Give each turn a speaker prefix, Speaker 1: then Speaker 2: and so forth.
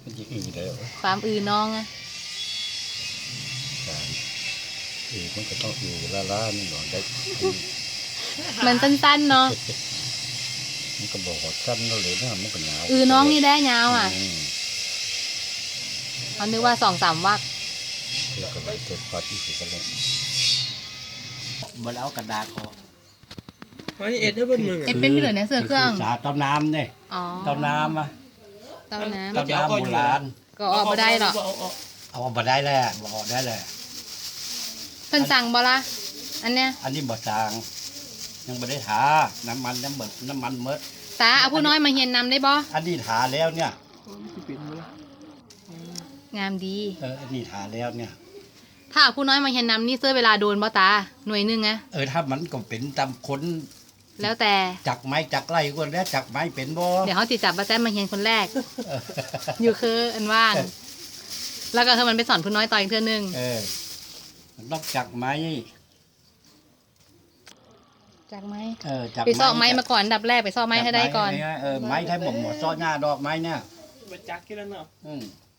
Speaker 1: มันจะอือได้เหรอ
Speaker 2: ความอือน้องอะ
Speaker 1: อือมันก็ต้องอือล่าๆนี่หรอได้
Speaker 2: มันสั้นๆเนาะ
Speaker 1: มันก็บอกว่าสั้นแล้วเลยนะมันก็หนาว
Speaker 2: อือน้องนี่ได้ยาวอ่ะ
Speaker 1: ม
Speaker 2: เขานึกว่า2-3 วรรค
Speaker 1: แล้วก็ไปเกิดปาที่สุดแล้ว
Speaker 3: บนเอากระดาษออก
Speaker 4: เฮ้ยเอ็ดได้บนมึง
Speaker 2: เอ็ดเป็นพี่เหลือเนี่ยเสือเครื่อง
Speaker 3: สาเต้าน้ำเนี่ย
Speaker 2: อ๋อ
Speaker 3: เต้าน้ำอ่ะ
Speaker 2: เต้าน้
Speaker 3: เต้าน้ำโบราณ
Speaker 2: ำก็ออกมาได้หรอก
Speaker 3: เอามาได้แล้วบอกได้เลย
Speaker 2: เพิ่นสั่งบ่ละอันเนี้ย
Speaker 3: อันนี้บ่จางยังไม่ได้ทาน้ำมันน้ำมันเมด
Speaker 2: ตาเอาผู้น้อยมาเฮียนนำได้บ่
Speaker 3: อันนี้ทาแล้วเนี่ย
Speaker 2: งามดี
Speaker 3: อันนี้ทาแล้วเนี่ย
Speaker 2: ถ้าเอาผู้น้อยมาเฮียนนำนี่เสื้อเวลาโดนบ่ตาหน่วยหนึงอะ
Speaker 3: ถ้ามันก็เป็นตามคน
Speaker 2: แล้วแต่
Speaker 3: จักไม้จักไรคนแล้วจักไม้เป็นบ่
Speaker 2: เดี๋ยวเขาติดจับป้าแจ้มาเฮียนคนแรก อยู่คืออันว่าง แล้วก็คือมันไปสอนผู้น้อยต่ออีกเทื่อนึง
Speaker 3: มันต้องจักไม้
Speaker 2: จากไหม
Speaker 3: จัก
Speaker 2: ไปซ่อไม้มาก่อนอันดับแรกไปซ่อไม้ให้ได้ก่อน
Speaker 3: ไม้ให้หมดซ้อหน้าดอกไม้เนี่ย
Speaker 4: มาจักกี่แล้วเนาะ
Speaker 3: อืม